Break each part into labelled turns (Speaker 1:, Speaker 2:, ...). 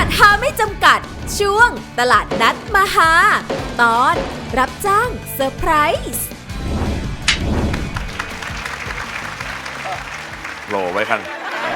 Speaker 1: หาไม่จำกัดช่วงตลาดนัดมหาตอนรับจ้างเซอร์ไพรส์
Speaker 2: โหลไว้กัน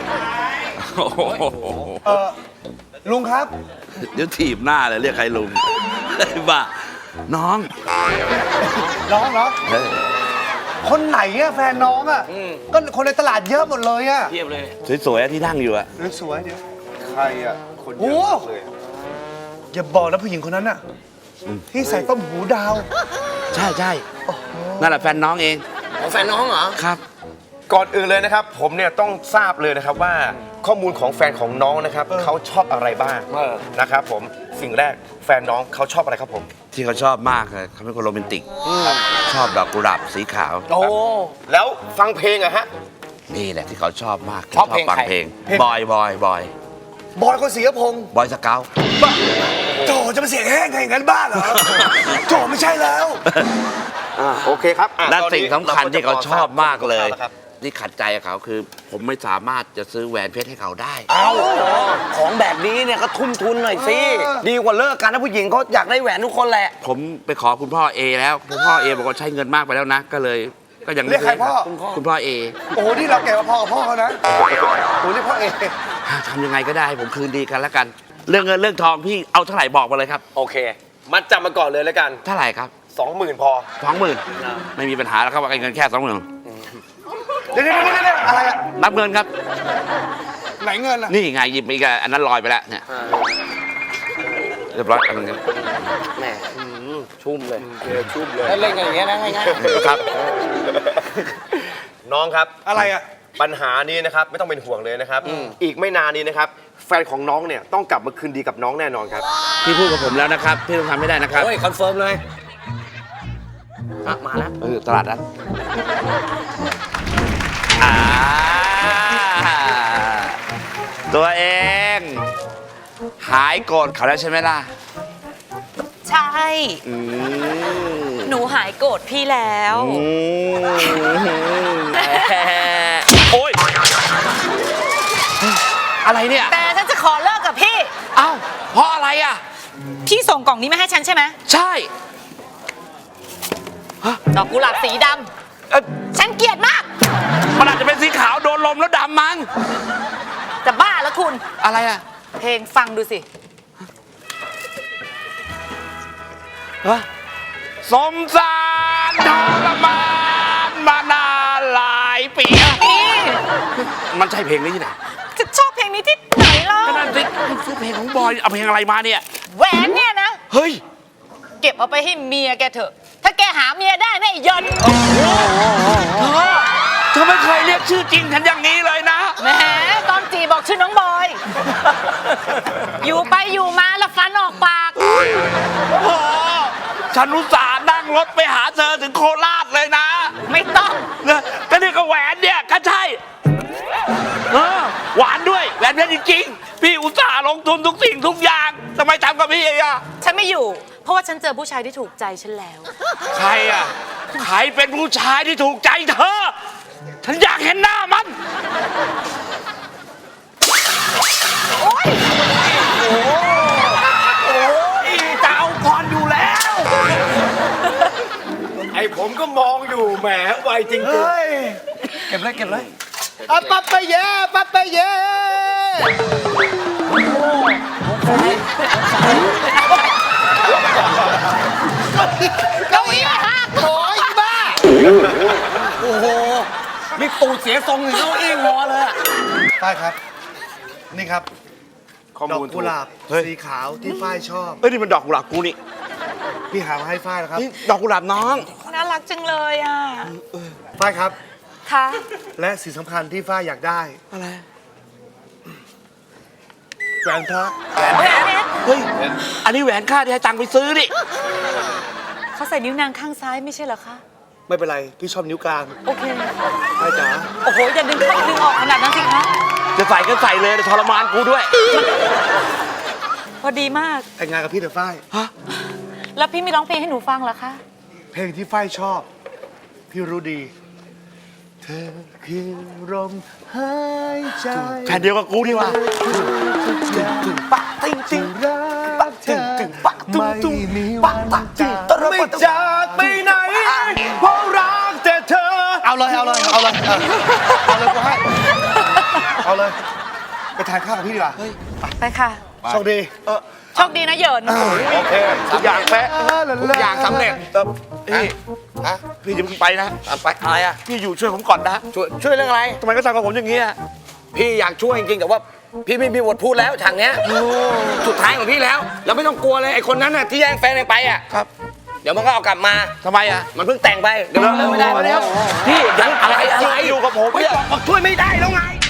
Speaker 3: ลุงครับ
Speaker 2: เดี๋ยวถีบหน้าเลยเรียกใครลุงไอ้บ้าน้อง
Speaker 3: น้องเหรอคนไหนอะแฟนน้องอะก็คนในตลาดเยอะหมดเลยอะ
Speaker 4: เทียบเลย
Speaker 2: สวยๆที่นั่งอยู่อะ
Speaker 3: สวยเดี๋ยวใครอะคนเยอะเลยอย่าบอกนะผู้หญิงคนนั้นอะที่ใส่ต้มหูดาว
Speaker 2: ใช่ใช่นั่นแหละแฟนน้องเอง
Speaker 4: ของแฟนน้องเหรอ
Speaker 2: ครับ
Speaker 5: ก่อนอื่นเลยนะครับผมเนี่ยต้องทราบเลยนะครับว่าข้อมูลของแฟนของน้องนะครับเขาชอบอะไรบ้างนะครับผมสิ่งแรกแฟนน้องเขาชอบอะไรครับผม
Speaker 2: ที่เขาชอบมากเลยเขาเป็นคนโรแมนติกชอบดอกกุหลาบสีขาว
Speaker 4: โอ้
Speaker 5: แล้วฟังเพลงอะฮะ
Speaker 2: นี่แหละที่เขาชอบมาก
Speaker 4: ชอบเพลง
Speaker 2: ฟัง
Speaker 4: ใคร
Speaker 2: เพลงบอย
Speaker 3: บอยคนศรีพงษ์
Speaker 2: บอยสเกาต์
Speaker 3: โจจะมาเสียงแห้งอย่างนั้นบ้าเหรอโจไม่ใช่แล้ว
Speaker 5: โอเคครับ
Speaker 2: และสิ่งสำคัญที่เขาชอบมากเลย
Speaker 5: ครับ
Speaker 2: ที่ขัดใจเขาคือ ผมไม่สามารถจะซื้อแหวนเพชรให้เขาได้
Speaker 4: เอาของแบบนี้เนี่ยก็ทุ่มทุนหน่อยสิดีกว่าเลิกกันนะผู้หญิงเขาอยากได้แหวนทุกคนแหละ
Speaker 2: ผมไปขอคุณพ่อเอแล้วคุณพ่อเอบอกว่าใช้เงินมากไปแล้วนะก็เลยก็ยัง
Speaker 3: เรียกใครพ่อ
Speaker 2: คุณพ่อเอ
Speaker 3: โอ้โหนี่เราแก่กว่าพ่อกับพ่อเขานะโอ้โหเรียกพ่อเอ
Speaker 2: ทำยังไงก็ได้ให้ผมคืนดีกันแล้วกัน เรื่องเงินเรื่องทองพี่เอาเท่าไหร่บอกมาเลยครับ
Speaker 5: โอเคมัดจำมาก่อนเลยแล้วกัน
Speaker 2: เท่าไหร่ครับ
Speaker 5: 20,000พอ
Speaker 2: 20,000ไม่มีปัญหาแล้วครับว่าเงินแค่20,000
Speaker 3: เดี๋ยวอะไรอะ
Speaker 2: นับเงินครับ
Speaker 3: ไหนเงินอะ
Speaker 2: นี่ไงหยิบอีกอันนั้นลอยไปแล้วเนี่ยเรียบร้อยอันนึง
Speaker 4: แหมชุ่มเลยชุ่มเลยแล้วเล่นกันอย่างเงี้ยนะง่ายๆ
Speaker 2: ครับ
Speaker 5: น้องครับ
Speaker 3: อะไรอะ
Speaker 5: ปัญหานี้นะครับไม่ต้องเป็นห่วงเลยนะครับอีกไม่นานนี้นะครับแฟนของน้องเนี่ยต้องกลับมาคืนดีกับน้องแน่นอนครับ
Speaker 2: พี่พูดกับผมแล้วนะครับพี่ต้องทำให้ได้นะครับ
Speaker 4: โอ้ยคอนเฟิร์มเลยมาแล้ว
Speaker 2: ตลาดนัดตัวเองหายโกรธเขาแล้วใช่ไหมล่ะ
Speaker 6: ใช่ หนูหายโกรธพี่แล้ว
Speaker 2: โอ๊ยอะไรเนี่ย
Speaker 6: แต่ฉันจะขอเลิกกับพี่
Speaker 2: เอ้าเพราะอะไรอ่ะ
Speaker 6: พี่ส่งกล่องนี้มาให้ฉันใช่ไหม
Speaker 2: ใช่
Speaker 6: ดอกกุหลาบสีดำฉันเกลียดมาก
Speaker 2: มันอาจจะเป็นสีขาวโดนลมแล้วดำมั้ง
Speaker 6: จะบ้าแล้วคุณ
Speaker 2: อะไรอ่ะ
Speaker 6: เพลงฟังดูสิ
Speaker 2: สมสารทรมานมานานหลายปี
Speaker 6: นี่
Speaker 2: มันใช่เพลงนี้ที่ไหน
Speaker 6: จะชอบเพลงนี้ที่ไหนเล่า
Speaker 2: ก็นั่นสิซื้อเพลงของบอยเอาเพลงอะไรมาเนี่ย
Speaker 6: แหวนเนี่ยนะ
Speaker 2: เฮ้ย
Speaker 6: เก็บเอาไปให้เมียแกเถอะ ถ้าแกหาเมียได้นะไอ้ยนต์
Speaker 2: เธอไม่เคยเรียกชื่อจริงฉันอย่างนี้เลยนะ
Speaker 6: แหมตอนจีบอกชื่อน้องบอย อยู่ไปอยู่มาแล้วฟันออกปาก
Speaker 2: โอ้ฉันอุตส่าห์นั่งรถไปหาเธอถึงโคราชเลยนะ
Speaker 6: ไม่ต้อง
Speaker 2: เนี่ยก็นี่ก็แหวนเนี่ยก็ใช่หวานด้วยแหวนเพชรจริงๆพี่อุตส่าห์ลงทุนทุกสิ่งทุกอย่างทำไมทำกับพี่อ่ะ
Speaker 6: ฉันไม่อยู่ เพราะว่าฉันเจอผู้ชายที่ถูกใจฉันแล้ว
Speaker 2: ใครอ่ะใครเป็นผู้ชายที่ถูกใจเธอ ฉันอยากเห็นหน้ามัน
Speaker 6: โอ๊ย
Speaker 4: จะเอาก่อนอยู่แล้ว
Speaker 5: ไอผมก็มองอยู่แหมไวจริง
Speaker 3: เฮ้ยเก็บเลยอ่ะปั๊บไปเย่ปั๊บไปเย่เก้าอี้หักโอยบ้า
Speaker 4: โอ้โหมีตูดเสียทรงถึงเก้าอี้งอเลยอะ
Speaker 3: ฝ้ายครับ นี่ครับ
Speaker 5: ข้อ
Speaker 3: ดอก
Speaker 5: มูลถู
Speaker 3: กุ
Speaker 5: ก
Speaker 3: หลาบสีขาวที่ฝ้ายชอบ
Speaker 2: เอ้ยนี่มันดอกกุหลาบกูนี่
Speaker 3: พี่หามาให้ฝ้ายนะครับ
Speaker 2: นี่ดอกกุหลาบน้อง
Speaker 6: น่ารักจังเลยอ่ะ
Speaker 3: ฝ้ายครับ
Speaker 6: ค่ะ
Speaker 3: และสิ่งสำคัญที่ฝ้ายอยากได้
Speaker 2: อะไร
Speaker 3: แหวนพระ
Speaker 2: เฮ้ยอันนี้แหวนค่าที่ให้ตังค์ไปซื้อดิ
Speaker 6: เขาใส่นิ้วนางข้างซ้ายไม่ใช่เหรอคะ
Speaker 3: ไม่เป็นไร พี่ชอบนิ้วกลาง
Speaker 6: โอเค
Speaker 3: ฝ้ายจ๋า
Speaker 6: โอ้โห อย่าดึงเข้าดึงออกขนาดนั้นสิคะ
Speaker 2: จะใส่ก็ใส่เลยทรมานกูด้วย
Speaker 6: พอดีมาก
Speaker 3: แต่งงานกับพี่เถอะฝ้าย
Speaker 6: แล้วพี่ไม่ร้องเพลงให้หนูฟังเหรอคะ
Speaker 3: เพลงที่ฝ้ายชอบ พี่รู้ดี เธอคือลมหายใจ
Speaker 2: แผ่นเดียวกับกูดีกว่า
Speaker 3: ปะติ้งเอาเลยเอาเลยกูให้เอาเลยไปทานข้าวกับพี่ดีกว่า
Speaker 6: ไปค่ะ
Speaker 3: โชคดี
Speaker 6: โชคดีนะเหยิน
Speaker 5: โอเคทุกอย่างแปะทุกอย่างสำเร็จ
Speaker 2: พี่พี่อย่าเพิ่งไปนะ
Speaker 4: ไปอะไรอ่ะ
Speaker 2: พี่อยู่ช่วยผมก่อนนะ
Speaker 4: ช่วยเรื่องอะไร
Speaker 2: ทำไมก็ทำกับผมอย่างนี้อะ
Speaker 4: พี่อยากช่วยจริงๆแต่ว่าพี่ไม่มีบทพูดแล้วฉากเนี้ยสุดท้ายของพี่แล้วแล้วไม่ต้องกลัวเลยไอ้คนนั้นน่ะที่แย่งแฟนเองไปอ่ะ
Speaker 2: ครับ
Speaker 4: เดี๋ยวมันก็เอากลับมา
Speaker 2: ทำไมอะ
Speaker 4: มันเพิ่งแต่งไปเดี๋ยวมันเลิกไม่ได้
Speaker 2: เดี๋ยว
Speaker 4: พี่เดี๋ยวอะไร
Speaker 2: อยู่กับผม
Speaker 4: ไม่
Speaker 2: เนี่ย
Speaker 4: บอกช่วยไม่ได้แล้วไง